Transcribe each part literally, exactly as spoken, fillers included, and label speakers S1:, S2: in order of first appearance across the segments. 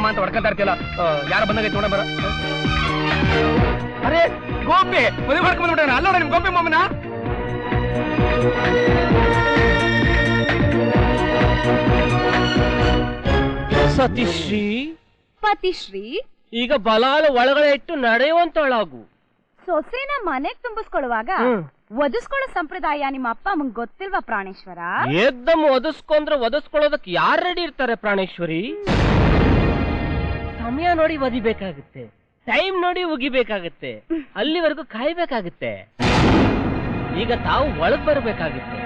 S1: ಮಾಮ ಅಂತ ಹೊಡ್ಕೊಂತ ಇರ್ತಿಯಲ್ಲ, ಯಾರ ಬಂದಾಗ ನೋಡ ಬರ. ಅರೆ ಗೋಪಿ ಮದುವೆ ಮಾಡ್ಕೊಂಡ್ ಬಿಟ್ಟ ಅಲ್ಲೋಡ ನಿಮ್ ಗೋಪಿ ಮಾಮನ.
S2: ಸತಿಶ್ರೀ
S3: ಪತಿಶ್ರೀ
S2: ಈಗ ಬಲಾಲ ಒಳಗಡೆ ಇಟ್ಟು ನಡೆಯುವಂತಳಾಗು.
S3: ಸೊಸೆನ ಮನೆಗ್ ತುಂಬಿಸ್ಕೊಳ್ಳುವಾಗ ಒದಿಸ್ಕೊಳ್ಳೋ ಸಂಪ್ರದಾಯ ನಿಮ್ಮ ಅಪ್ಪ ಅಮ್ಮಂಗ್ ಗೊತ್ತಿಲ್ವಾ ಪ್ರಾಣೇಶ್ವರ?
S2: ಎದ್ದಮ್ ಒದಿಸ್ಕೊಂಡ್ರೆ ಒದಿಸ್ಕೊಳ್ಳೋದಕ್ಕೆ ಯಾರು ರೆಡಿ ಇರ್ತಾರೆ ಪ್ರಾಣೇಶ್ವರಿ? ಸಮಯ ನೋಡಿ ಒದಿಬೇಕಾಗುತ್ತೆ, ಟೈಮ್ ನೋಡಿ ಉಗಿಬೇಕಾಗುತ್ತೆ, ಅಲ್ಲಿವರೆಗೂ ಕಾಯ್ಬೇಕಾಗುತ್ತೆ. ಈಗ ತಾವು ಒಳಗ್ ಬರ್ಬೇಕಾಗುತ್ತೆ.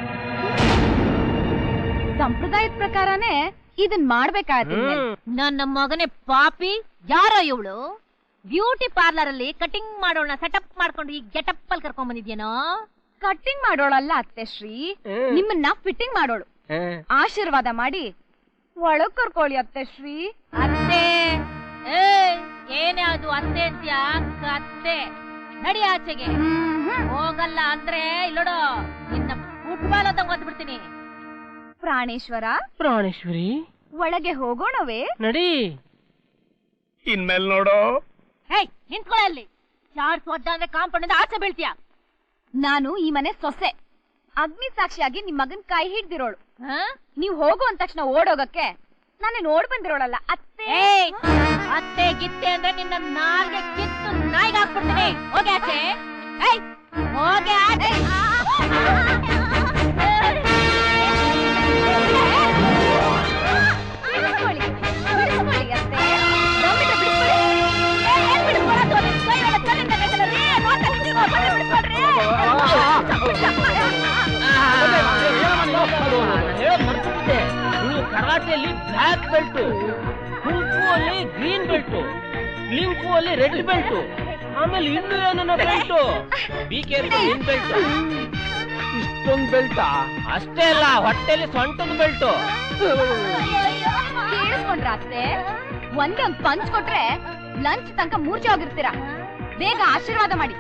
S3: ಸಂಪ್ರದಾಯದ ಪ್ರಕಾರನೇ ಇದನ್ ಮಾಡ್ಬೇಕಾಗುತ್ತೆ.
S4: ನನ್ನ ಮಗನೇ ಪಾಪಿ, ಯಾರೋ ಇವಳು ಬ್ಯೂಟಿ ಪಾರ್ಲರ್ ಅಲ್ಲಿ ಕಟಿಂಗ್ ಮಾಡೋಣ ಸೆಟಪ್ ಮಾಡ್ಕೊಂಡು ಈ ಗೆಟಪ್ ಅಲ್ಲಿ ಕರ್ಕೊಂಡ್ ಬಂದಿದ್ಯೇನೋ?
S3: ಕಟ್ಟಿಂಗ್ ಮಾಡೋಳಲ್ಲ ಅತ್ತೆ ಶ್ರೀ, ನಿಮ್ಮನ್ನ ಫಿಟ್ಟಿಂಗ್ ಮಾಡೋಳು. ಆಶೀರ್ವಾದ ಮಾಡಿ ಒಳಗ್ ಕರ್ಕೊಳ್ಳಿ ಅತ್ತೆ ಶ್ರೀ.
S4: ಅತ್ತೆ ಏ ಏನೇ ಅದು ಅತ್ತೆ ಅಂತ್ಯಾ? ಅತ್ತೆ ನಡಿ ಆಚೆಗೆ. ಹೋಗಲ್ಲ ಅಂದ್ರೆ ಇಲ್ಲೋಡು ನಿನ್ನ ಫುಟ್ಬಾಲ್ ಅಂತ ಓದ್ಬಿಡ್ತೀನಿ.
S3: ಪ್ರಾಣೇಶ್ವರ
S2: ಪ್ರಾಣೇಶ್ವರಿ
S3: ಒಳಗೆ ಹೋಗೋಣವೇ?
S2: ನಡಿ.
S1: ಇನ್ಮೇಲ್ ನೋಡು.
S4: ಹೇ ನಿಂತ್ಕೊಳ್ಳ ಅಲ್ಲಿ. ಚಾರ್ಜ್ ಒದ್ದ ಅಂದ್ರೆ ಕಾಂಪೌಂಡ್ ಆಚೆ ಬೀಳ್ತೀಯ.
S3: ನಾನು ಈ ಮನೆ ಸೊಸೆ, ಅಗ್ನಿ ಸಾಕ್ಷಿಯಾಗಿ ನಿಮ್ ಮಗನ್ ಕೈ ಹಿಡ್ದಿರೋಳು. ನೀವ್ ಹೋಗು ಅಂದ ತಕ್ಷಣ ಓಡೋಗಕ್ಕೆ ನಾನು ನೋಡ್ ಬಂದಿರೋಳಲ್ಲ ಅತ್ತೆ.
S4: ಅತ್ತೆ ಗಿತ್ತೆ ಅಂದ್ರೆ ನಿನ್ನ ನಾಲ್ಗೆ ಕಿತ್ತು ನಾಯಿಗೆ ಹಾಕ್ಬಿಡ್ತೀನಿ. ಹೋಗಿ ಆಚೆ. ಹೋಗಿ ಆಚೆ.
S2: ಕರಾಟೆಯಲ್ಲಿ ಬ್ಲಾಕ್ ಬೆಲ್ಟ್, ಕುಂಫು ಅಲ್ಲಿ ಗ್ರೀನ್ ಬೆಲ್ಟ್, ಲಿಂಫು ಅಲ್ಲಿ ರೆಡ್ ಬೆಲ್ಟ್, ಆಮೇಲೆ ಇನ್ನು ಏನನ್ನ ಬೆಲ್ಟ್, ಬಿ ಕೇರ್ಫುಲ್ ಬೆಲ್ಟ್.
S1: ಇಷ್ಟೊಂದು ಬೆಲ್ಟಾ?
S2: ಅಷ್ಟೇ ಅಲ್ಲ, ಹೊಟ್ಟೆಲಿ ಸೊಂಟದ ಬೆಲ್ಟ್.
S3: ಕೇಳಿಸ್ಕೊಂಡ್ರ ಅತ್ತೆ? ಒಂದೇ ಒಂದ್ ಪಂಚ್ ಕೊಟ್ರೆ ಲಂಚ್ ತನಕ ಮೂರ್ಛೆ ಹೋಗಿರ್ತೀರಾ. ಬೇಗ ಆಶೀರ್ವಾದ ಮಾಡಿ.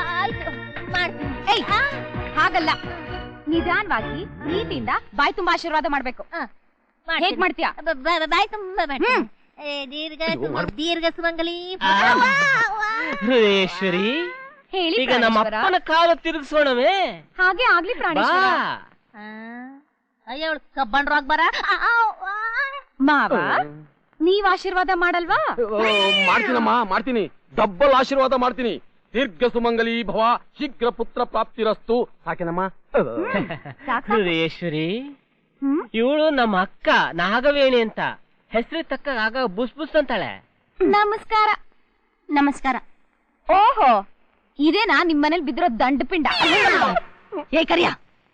S3: ಏಯ್ ಹಾಗಲ್ಲ, ನಿಧಾನವಾಗಿ ಪ್ರೀತಿಯಿಂದ ಬಾಯಿ ತುಂಬಾ ಆಶೀರ್ವಾದ ಮಾಡ್ಬೇಕು. ಹೇಗ್ ಮಾಡ್ತೀಯಾ?
S4: ಬಾಯ್ ತುಂಬಾ ದೀರ್ಘ ದೀರ್ಘ ಸುಮಂಗಲಿ.
S2: ಹೃದಯೇಶ್ವರಿ
S3: ಹೇಳಿ.
S2: ಈಗ ನಮ್ಮ ಅಪ್ಪನ ಕಾಲ ತಿರುಗಿಸೋಣವೇ?
S3: ಹಾಗೆ ಆಗ್ಲಿ ಪ್ರಾಣೇಶ್ವರ.
S4: ಅಯ್ಯ ಕಬ್ಬಂಡ್ರಾಗ್ ಬರ
S3: ಮಾವ, ನೀವ್ ಆಶೀರ್ವಾದ ಮಾಡಲ್ವಾ?
S1: ಮಾಡ್ತೀನಮ್ಮ, ಮಾಡ್ತೀನಿ. ಡಬ್ಬಲ್ ಆಶೀರ್ವಾದ ಮಾಡ್ತೀನಿ. ದೀರ್ಘ ಸುಮಂಗಲಿ ಭವ, ಶೀಘ್ರ ಪುತ್ರ ಪ್ರಾಪ್ತಿರಸ್ತು. ಸಾಕೇನಮ್ಮ?
S2: ಹೃದಯೇಶ್ವರಿ, ಇವಳು ನಮ್ಮ ಅಕ್ಕ ನಾಗವೇಣಿ ಅಂತ. ಹೆಸರು ತಕ್ಕ ಆಗ ಬುಸ್ ಬುಸ್ ಅಂತಾಳೆ.
S3: ನಮಸ್ಕಾರ. ನಮಸ್ಕಾರ. ಓಹೋ, ಇದೇನಾ ನಿಮ್ಮನೇಲಿ ಬಿದ್ದಿರೋ ದಂಡ ಪಿಂಡ? ಏ ಕರಿಯ.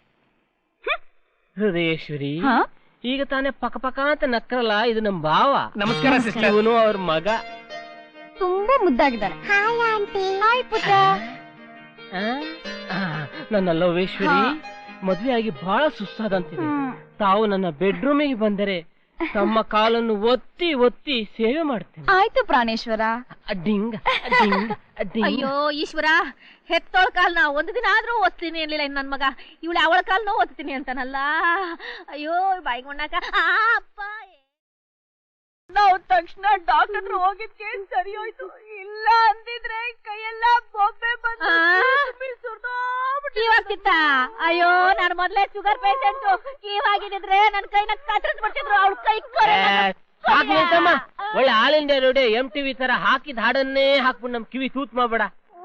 S2: ಹೃದಯೇಶ್ವರಿ, ಈಗ ತಾನೇ ಪಕ ಪಕ ಅಂತ ನಕ್ಕರಲ್ಲ, ಇದು ನಮ್ ಭಾವ.
S1: ನಮಸ್ಕಾರ ಸಿಸ್ಟರ್.
S2: ಇವನು ಅವ್ರ ಮಗ.
S3: ತುಂಬಾ ಮುದ್ದಾಗಿದ್ದಾನೆ. Hi aunty. ಹಾಯ್ ಪುಟ್ಟ.
S2: ನನ್ನ ಲವೇಶ್ವರಿ, ಮದ್ವೆ ಆಗಿ ಬಹಳ ಸುಸ್ತಾದಂತಿದೆ. ತಾವು ನನ್ನ ಬೆಡ್ರೂಮಿಗೆ ಬಂದರೆ ತಮ್ಮ ಕಾಲನ್ನು ಒತ್ತಿ ಒತ್ತಿ ಸೇವೆ ಮಾಡ್ತೇನೆ.
S3: ಆಯ್ತು ಪ್ರಾಣೇಶ್ವರ.
S2: Ding ding ding.
S4: ಅಯ್ಯೋ ಈಶ್ವರ, ಹೆತ್ತೋಳ ಕಾಲ್ನ ಒಂದು ದಿನ ಆದ್ರೂ ಓದ್ತೀನಿ ಅನ್ಲಿಲ್ಲ ಇನ್ ನನ್ ಮಗ. ಇವಳು ಅವಳ ಕಾಲ್ನ ಓದ್ತೀನಿ ಅಂತಾನಲ್ಲ. ಅಯ್ಯೋ ಬಾಯಿಗೊಂಡಾಕ. ಅಪ್ಪ ನಾವು ತಕ್ಷಣ ಡಾಕ್ಟರ್ ಹತ್ರ ಹೋಗಿದ್ಕೆ ಸರಿ ಹೋಯ್ತು. ಇಲ್ಲ ಅಂದಿದ್ರೆ ಕೈಯೆಲ್ಲ ಬೊಬ್ಬೆ ಬಂದು ಕೀವಾಗ್ತಿತ್ತ. ಅಯ್ಯೋ ನಾನು ಮೊದ್ಲೇ ಶುಗರ್ ಪೇಷಂಟ್. ಕೀವಾಗಿದ್ರೆ ನನ್ ಕೈನ ಕತ್ತರಿಸ್ಬಿಡ್ತಿದ್ರು. ಅವ್ಳ ಕೈ
S2: ಒಳ್ಳೆ All India Radio MTV ತರ ಹಾಕಿದ ಹಾಡನ್ನೇ ಹಾಕ್ಬಿಟ್ಟು ನಮ್ ಕಿವಿ ತೂತ್ ಮಾಡ್ಬೇಡ.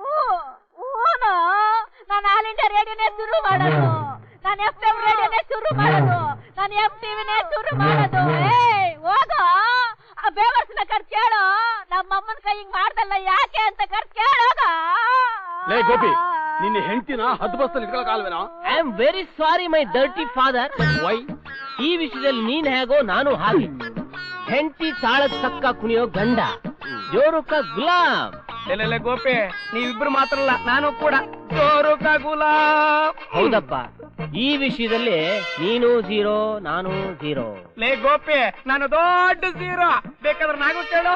S4: ನಾನು ಆಲ್ ಇಂಡಿಯಾ ರೇಡಿಯೋನೇ ಶುರು ಮಾಡೋದು. ನಾನು ಎಫ್ ಎಂ ರೇಡಿಯೋನೇ ಶುರು ಮಾಡೋದು. ನಾನು ಎಂ ಟಿವಿನೇ ಶುರು ಮಾಡೋದು. ಏ ಹೋಗೋ, ಆ ಬೇವರ್ಸ್ನ ಕರ್ ಕೇಳೋ. ನಮ್ಮಮ್ಮನ ಕೈ ಹಿಂಗ್ ಮಾಡ್ದಲ್ಲ ಯಾಕೆ ಅಂತ ಕರ್ ಕೇಳೋಗ.
S1: ಲೇ ಗೋಪಿ, ನಿನ್ನ ಹೆಂಡತಿನ ಹದ್ದು ಬಸ್ತಲ್ಲಿ ಇಟ್ಕೊಳಕಾಲ್ವೇನೋ?
S2: I am very sorry my dirty father. Why? ಈ ವಿಷಯದಲ್ಲಿ ನೀನ್ ಹೇಗೋ ನಾನು ಹಾಗೆ. ಹೆಂಡತಿ ತಾಳದ ತಕ್ಕ ಕುಣಿಯೋ ಗಂಡ, ಜೋರುಕ ಗುಲಾಮ್.
S1: ಲೇ ಗೋಪಿ, ನೀವಿಬ್ರು ಮಾತ್ರ ಅಲ್ಲ, ನಾನು ಕೂಡ ಜೋರುಕ ಗುಲಾಮ್.
S2: ಹೌದಪ್ಪ, ಈ ವಿಷಯದಲ್ಲಿ ನೀನು ಝೀರೋ, ನಾನು ಝೀರೋ.
S1: ಲೇ ಗೋಪಿ, ನಾನು ದೊಡ್ಡ ಝೀರೋ. ಬೇಕಾದ್ರೆ ನಾನು ಕೇಳು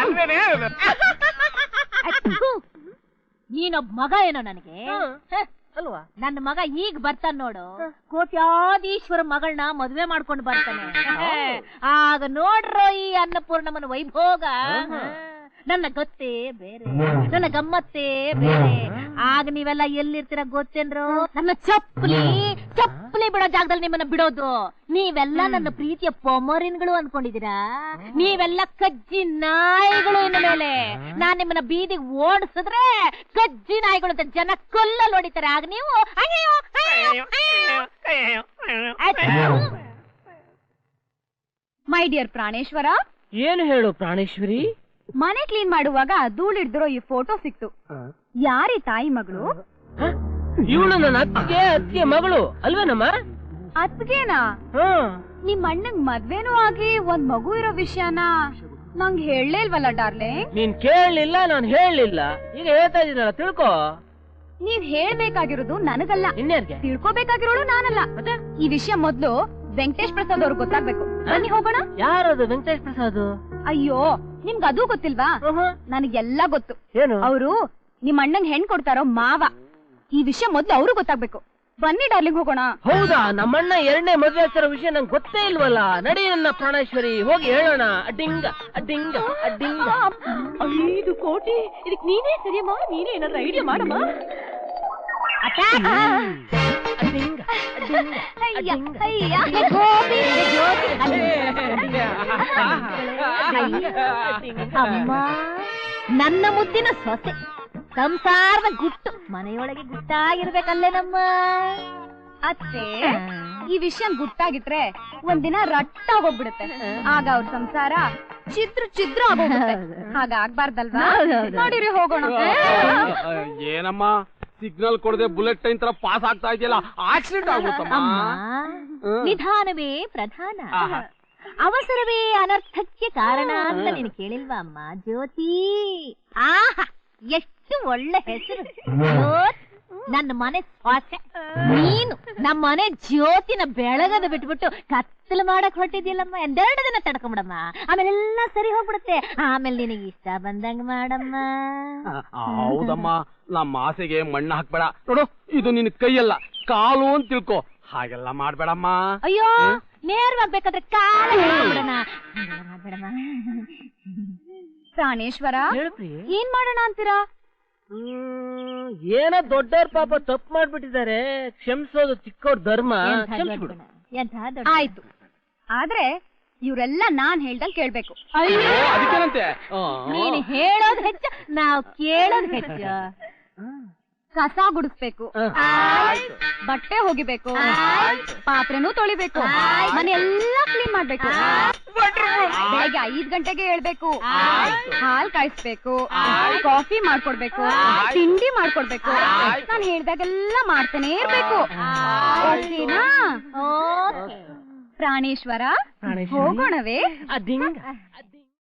S1: ಅಲ್ವೇನೆ.
S4: ನೀನೊಬ್ಬ ಮಗ ಏನೋ ನನಗೆ.
S2: ಅಲ್ವಾ?
S4: ನನ್ನ ಮಗ ಈಗ ಬರ್ತಾನ ನೋಡು, ಕೋಟ್ಯಾಧೀಶ್ವರ ಮಗಳನ್ನ ಮದ್ವೆ ಮಾಡ್ಕೊಂಡು ಬರ್ತಾನೆ. ಆಗ ನೋಡ್ರೋ ಈ ಅನ್ನಪೂರ್ಣಮ್ಮನ ವೈಭೋಗ. ನನ್ನ ಗೊತ್ತೇ ಬೇರೆ, ನನ್ನ ಗಮ್ಮತ್ತೇ ಬೇರೆ. ಆಗ ನೀವೆಲ್ಲ ಎಲ್ಲಿರ್ತೀರ ಗೊತ್ತೇನ್ರು? ನನ್ನ ಚಪ್ಪಲಿ ಚಪ್ಪಲಿ ಬಿಡೋ ಜಾಗದಲ್ಲಿ ನಿಮ್ಮನ್ನ ಬಿಡೋದು. ನೀವೆಲ್ಲ ನನ್ನ ಪ್ರೀತಿಯ ಪೊಮರಿನ್ಗಳು ಅನ್ಕೊಂಡಿದೀರಾ? ನೀವೆಲ್ಲ ಕಜ್ಜಿ ನಾಯಿಗಳು. ಇನ್ನು ಮೇಲೆ ನಾನ್ ನಿಮ್ಮನ್ನ ಬೀದಿಗೆ ಓಡಿಸಿದ್ರೆ ಕಜ್ಜಿ ನಾಯಿಗಳು ಅಂತ ಜನ ಕೊಲ್ಲಲ್ಲಿ ಹೊಡಿತಾರೆ. ಆಗ ನೀವು ಅಯ್ಯೋ
S3: ಮೈ ಡಿಯರ್ ಪ್ರಾಣೇಶ್ವರ,
S2: ಏನು ಹೇಳು ಪ್ರಾಣೇಶ್ವರಿ?
S3: ಮನೆ ಕ್ಲೀನ್ ಮಾಡುವಾಗ ಧೂಳಿಡ್ದಿರೋ ಈ ಫೋಟೋ ಸಿಕ್ತು. ಯಾರಿ ತಾಯಿ ಮಗಳು?
S2: ಇವಳು ನನ್ನ ಅತ್ತಿಗೆ ಅತ್ತಿಗೆ ಮಗಳು ಅಲ್ವೇನಮ್ಮ?
S3: ಅತ್ಗೆನಾ? ನಿಮ್ ಅಣ್ಣಂಗ್ ಮದ್ವೆನೂ ಆಗಿ ಒಂದ್ ಮಗು ಇರೋ ವಿಷಯನ ನಂಗ್ ಹೇಳಲೇ ಇಲ್ವಲ್ಲ ಡಾರ್ಲಿಂಗ್?
S2: ನೀನ್ ಕೇಳಲಿಲ್ಲ, ನಾನ್ ಹೇಳಲಿಲ್ಲ. ಈಗ ಹೇಳ್ತಾ ಇದೀನಲ್ಲ, ತಿಳ್ಕೊ.
S3: ನೀವ್ ಹೇಳ್ಬೇಕಾಗಿರೋದು ನನಗಲ್ಲ,
S2: ಇನ್ಯಾರ್ಗೆ?
S3: ತಿಳ್ಕೊಬೇಕಾಗಿರೋಳು ನಾನಲ್ಲ.
S2: ಮತ್ತೆ
S3: ಈ ವಿಷಯ ಮೊದ್ಲು ವೆಂಕಟೇಶ್ ಪ್ರಸಾದ್ ಅವ್ರಿಗೆ ಗೊತ್ತಾಗ್ಬೇಕು. ಬನ್ನಿ ಹೋಗೋಣ.
S2: ಯಾರದು ವೆಂಕಟೇಶ್ ಪ್ರಸಾದ್?
S3: ಅಯ್ಯೋ, ನಿಮ್ಗ ಅದು ಗೊತ್ತಿಲ್ವಾ? ನನಗೆಲ್ಲ ಗೊತ್ತು.
S2: ಏನು?
S3: ಅವರು ನಿಮ್ ಅಣ್ಣಂಗ್ ಹೆಣ್ ಕೊಡ್ತಾರೋ ಮಾವ. ಈ ವಿಷಯ ಮೊದ್ಲು ಅವ್ರು ಗೊತ್ತಾಗ್ಬೇಕು. ಬನ್ನಿ ಡಾರ್ಲಿಂಗ್ ಹೋಗೋಣ.
S2: ಹೌದಾ? ನಮ್ಮಣ್ಣ ಎರಡನೇ ಮದ್ವೆ ಆಗ್ತಿರೋ ವಿಷಯ ನಂಗೆ ಗೊತ್ತೇ ಇಲ್ವಲ್ಲ. ನಡಿ ನನ್ನ ಪ್ರಾಣೇಶ್ವರಿ, ಹೋಗಿ ಹೇಳೋಣ. ಅಡ್ಡಿಂಗ ಅಡ್ಡಿಂಗ ಅಡ್ಡಿಂಗ.
S3: ಐದು ಕೋಟಿ ಇದಕ್ ನೀನೇ ಸರಿಯಮ್ಮ, ನೀನೇ ಏನಾದ್ರು ಐಡಿಯಾ ಮಾಡಮ್ಮ.
S2: ಅಡ್ಡಿಂಗ ಅಡ್ಡಿಂಗ
S4: ಅಮ್ಮ, ನನ್ನ ಮುದ್ದಿನ ಸೊಸೆ ಸಂಸಾರದ ಗುಟ್ಟು ಮನೆಯೊಳಗೆ ಗುಟ್ಟಾಗಿರ್ಬೇಕಲ್ಲೇ ನಮ್ಮ
S3: ಅತ್ತೆ. ಈ ವಿಷಯ ಗುಟ್ಟಾಗಿಟ್ರೆ ಒಂದಿನ ರಟ್ಟಾಗೋಗ್ಬಿಡುತ್ತೆ. ಆಗ ಅವ್ರ ಸಂಸಾರ ಚಿತ್ರ ಚಿತ್ರ ಆಗೋಗುತ್ತೆ. ಹಾಗಾಗ್ಬಾರ್ದಲ್ವಾ? ನೋಡಿರಿ ಹೋಗೋಣ.
S1: ಏನಮ್ಮ ಸಿಗ್ನಲ್ ಕೊಡದೆ ಬುಲೆಟ್ ಟ್ರೈನ್ ತರ ಪಾಸ್ ಆಗ್ತಾ ಇದೆಯಲ್ಲ, ಆಕ್ಸಿಡೆಂಟ್ ಆಗ್ಬಿಡುತ್ತಮ್ಮ.
S4: ನಿಧಾನವೇ ಪ್ರಧಾನ, ಅವಸರವೇ ಅನರ್ಥಕ್ಕೆ ಕಾರಣ ಅಂತ ನೀನು ಕೇಳಿಲ್ವಾ ಅಮ್ಮ ಜ್ಯೋತಿ? ಆಹಾ, ಎಷ್ಟು ಒಳ್ಳೆ ಹೆಸರು ಜ್ಯೋತಿ. ನನ್ನ ಮನೆ ಸ್ವಾಸೆ ನೀನು. ನಮ್ಮ ಮನೆ ಜ್ಯೋತಿನ ಬೆಳಗದ ಬಿಟ್ಬಿಟ್ಟು ಕತ್ತಲು ಮಾಡಕ್ ಹೊಟ್ಟಿದ್ಯಲ್ಲಮ್ಮ. ಎಂದೆರಡು ದಿನ ತಡ್ಕೊಂಬಿಡಮ್ಮ, ಆಮೇಲೆ ಎಲ್ಲ ಸರಿ ಹೋಗ್ಬಿಡುತ್ತೆ. ಆಮೇಲೆ ನಿನಗೆ ಇಷ್ಟ ಬಂದಂಗ ಮಾಡಮ್ಮ.
S1: ಹೌದಮ್ಮ, ನಮ್ಮ ಆಸೆಗೆ ಮಣ್ಣು ಹಾಕ್ಬೇಡ. ನೋಡು, ಇದು ನಿನ್ ಕೈಯಲ್ಲ ಕಾಲು ಅಂತ ತಿಳ್ಕೊ. ಹಾಗೆಲ್ಲ ಮಾಡ್ಬೇಡಮ್ಮ.
S4: ಅಯ್ಯೋ, ನೇರವಾಗ್ಬೇಕಾದ್ರೆ ಕಾಲ ಬಿಡೋಣ. ಮಾಡ್ಬೇಡಮ್ಮ.
S3: ಪ್ರಾಣೇಶ್ವರ, ಏನ್ ಮಾಡೋಣ ಅಂತೀರಾ?
S2: ಹ್ಮ್, ಏನೋ ದೊಡ್ಡವ್ರ ಪಾಪ ತಪ್ಪು ಮಾಡ್ಬಿಟ್ಟಿದ್ದಾರೆ, ಕ್ಷಮಿಸೋದು ಚಿಕ್ಕವ್ರ ಧರ್ಮ.
S3: ಆಯ್ತು, ಆದ್ರೆ ಇವ್ರೆಲ್ಲ ನಾನ್ ಹೇಳ್ದಂಗ್ ಕೇಳ್ಬೇಕು.
S1: ಅದಕ್ಕೇನಂತೆ?
S4: ನೀನು ಹೇಳೋದ್ ಹೆಚ್ಚ, ನಾವ್ ಕೇಳೋದ್ ಹೆಚ್ಚ.
S3: ಕಸ ಗುಡಿಸ್ಬೇಕು, ಬಟ್ಟೆ ಹೋಗಿಬೇಕು, ಪಾತ್ರೆನೂ ತೊಳಿಬೇಕು, ಮನೆ ಎಲ್ಲಾ ಕ್ಲೀನ್ ಮಾಡ್ಬೇಕು, ಬೆಳಗ್ಗೆ ಐದ್ ಗಂಟೆಗೆ ಹೇಳ್ಬೇಕು, ಹಾಲ್ ಕಾಯಿಸ್ಬೇಕು, ಕಾಫಿ ಮಾಡ್ಕೊಡ್ಬೇಕು, ತಿಂಡಿ ಮಾಡ್ಕೊಡ್ಬೇಕು. ನಾನ್ ಹೇಳ್ದಾಗೆಲ್ಲ ಮಾಡ್ತಾನೆ ಇರ್ಬೇಕು. ಓಕೆನಾ ಪ್ರಾಣೇಶ್ವರ? ಹೋಗೋಣವೇ?
S2: ಅದಿಂಗ